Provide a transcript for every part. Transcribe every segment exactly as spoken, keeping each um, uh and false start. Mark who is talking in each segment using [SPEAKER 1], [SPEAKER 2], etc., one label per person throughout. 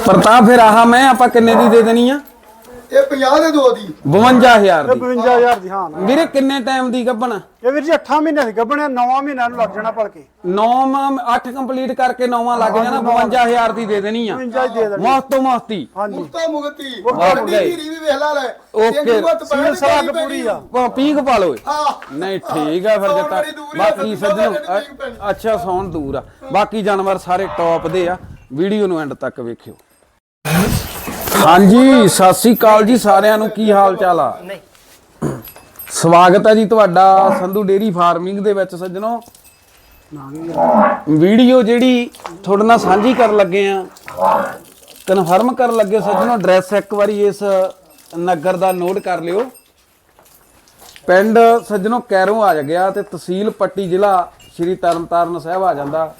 [SPEAKER 1] ਪ੍ਰਤਾਪ ਫਿਰ ਆਹ ਮੈਂ ਆਪਾਂ ਕਿੰਨੇ ਦੀ ਦੇ ਦੇਣੀ ਆ?
[SPEAKER 2] ਇਹ ਪੰਜਾਹ ਦੇ ਦੋ ਦੀ
[SPEAKER 1] ਬਵੰਜਾ ਹਜ਼ਾਰ ਦੀ।
[SPEAKER 3] ਬਵੰਜਾ ਹਜ਼ਾਰ ਦੀ ਹਾਂ
[SPEAKER 1] ਵੀਰੇ ਕਿੰਨੇ ਟਾਈਮ ਦੀ ਗੱਭਣ?
[SPEAKER 3] ਇਹ ਵੀਰ ਜੀ ਅੱਠਾਂ ਮਹੀਨੇ ਦੀ ਗੱਭਣ, ਨੌਵਾਂ ਮਹੀਨਿਆਂ ਨੂੰ ਲੱਗ ਜਾਣਾ ਭਲਕੇ।
[SPEAKER 1] ਨੌਵਾਂ ਅੱਠ ਕੰਪਲੀਟ ਕਰਕੇ ਨੌਵਾਂ ਲੱਗ ਜਾਣਾ, ਬਵੰਜਾ ਹਜ਼ਾਰ ਦੀ ਦੇ ਦੇਣੀ ਆ।
[SPEAKER 3] ਬਵੰਜਾ ਹੀ ਦੇ ਦੇਣੀ
[SPEAKER 1] ਮੁਫਤ ਤੋਂ ਮੁਫਤੀ।
[SPEAKER 3] ਹਾਂਜੀ
[SPEAKER 2] ਮੁਕਤਾ ਮੁਕਤੀ ਮੁਕਤੀ ਹੀਰੀ ਵੀ ਵੇਖ ਲੈ।
[SPEAKER 1] ਓਕੇ
[SPEAKER 3] ਸੀਲ ਸਲਾਗ ਪੂਰੀ ਆ।
[SPEAKER 1] ਪੀਕ ਪਾ ਲਓ।
[SPEAKER 2] ਹਾਂ
[SPEAKER 1] ਨਹੀਂ ਠੀਕ ਆ ਫਿਰ ਜੱਟਾ। ਬਾਕੀ ਸੱਜਣੋ ਅੱਛਾ ਸੌਣ ਦੂਰ ਆ, ਬਾਕੀ ਜਾਨਵਰ ਸਾਰੇ ਟੌਪ ਦੇ ਆ। ਵੀਡੀਓ ਨੂੰ ਐਂਡ ਤੱਕ ਵੇਖਿਓ। ਹਾਂਜੀ ਸਤਿ ਸ੍ਰੀ ਅਕਾਲ ਜੀ ਸਾਰਿਆਂ ਨੂੰ, ਕੀ ਹਾਲ ਚਾਲ ਆ? ਸਵਾਗਤ ਹੈ ਜੀ ਤੁਹਾਡਾ ਸੰਧੂ ਡੇਰੀ ਫਾਰਮਿੰਗ ਦੇ ਵਿੱਚ। ਸੱਜਣੋ ਵੀਡੀਓ ਜਿਹੜੀ ਤੁਹਾਡੇ ਨਾਲ ਸਾਂਝੀ ਕਰਨ ਲੱਗੇ ਆ, ਕਨਫਰਮ ਕਰਨ ਲੱਗੇ ਸੱਜਣੋ, ਐਡਰੈਸ ਇੱਕ ਵਾਰੀ ਇਸ ਨਗਰ ਦਾ ਨੋਟ ਕਰ ਲਿਓ। ਪਿੰਡ ਸੱਜਣੋ ਕੈਰੋਂ ਆ ਗਿਆ ਤੇ ਤਹਿਸੀਲ ਪੱਟੀ, ਜ਼ਿਲ੍ਹਾ ਸ਼੍ਰੀ ਤਰਨਤਾਰਨ ਸਾਹਿਬ ਆ ਜਾਂਦਾ।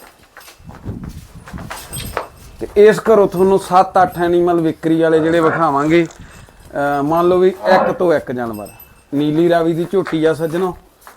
[SPEAKER 1] ਤੇ ਇਸ ਘਰੋਂ ਤੁਹਾਨੂੰ ਸੱਤ ਅੱਠ ਐਨੀਮਲ ਵਿਕਰੀ ਵਾਲੇ ਜਿਹੜੇ ਵਿਖਾਵਾਂਗੇ। ਮੰਨ ਲਓ ਵੀ ਇੱਕ ਤੋਂ ਇੱਕ ਜਾਨਵਰ। ਨੀਲੀ ਰਾਵੀ ਦੀ ਝੋਟੀ ਆ ਸੱਜਣੋ,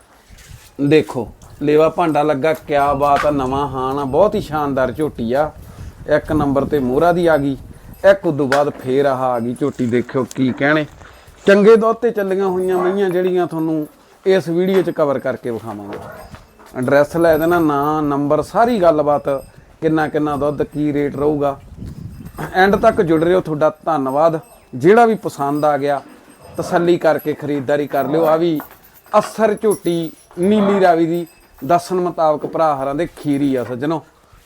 [SPEAKER 1] ਦੇਖੋ ਲੇਵਾ ਭਾਂਡਾ ਲੱਗਾ, ਕਿਆ ਬਾਤ ਆ, ਨਵਾਂ ਹਾਨ ਆ, ਬਹੁਤ ਹੀ ਸ਼ਾਨਦਾਰ ਝੋਟੀ ਆ। ਇੱਕ ਨੰਬਰ ਤੇ ਮੋਹਰਾ ਦੀ ਆ ਗਈ, ਇੱਕ ਉਦੋਂ ਬਾਅਦ ਫੇਰ ਆਹ ਆ ਗਈ ਝੋਟੀ। ਦੇਖਿਓ ਕੀ ਕਹਿਣੇ, ਚੰਗੇ ਦੁੱਧ ਤੇ ਚੱਲੀਆਂ ਹੋਈਆਂ ਮਈਆਂ ਜਿਹੜੀਆਂ ਤੁਹਾਨੂੰ ਇਸ ਵੀਡੀਓ 'ਚ ਕਵਰ ਕਰਕੇ ਵਿਖਾਵਾਂਗੇ। ਐਡਰੈਸ ਲੈ ਦੇਣਾ, ਨਾਂ ਨੰਬਰ ਸਾਰੀ ਗੱਲਬਾਤ, ਕਿੰਨਾ ਕਿੰਨਾ ਦੁੱਧ, ਕੀ ਰੇਟ ਰਹੂਗਾ। ਐਂਡ ਤੱਕ ਜੁੜ ਰਹੇ ਹੋ, ਤੁਹਾਡਾ ਧੰਨਵਾਦ। ਜਿਹੜਾ ਵੀ ਪਸੰਦ ਆ ਗਿਆ ਤਸੱਲੀ ਕਰਕੇ ਖਰੀਦਦਾਰੀ ਕਰ ਲਿਓ। ਆ ਵੀ ਅਸਰ ਝੋਟੀ ਨੀਲੀ ਰਾਵੀ ਦੀ ਦੱਸਣ ਮੁਤਾਬਕ ਭਰਾ ਹਰਾਂ ਦੇ ਖੀਰੀ ਆ ਸੱਜਣੋ।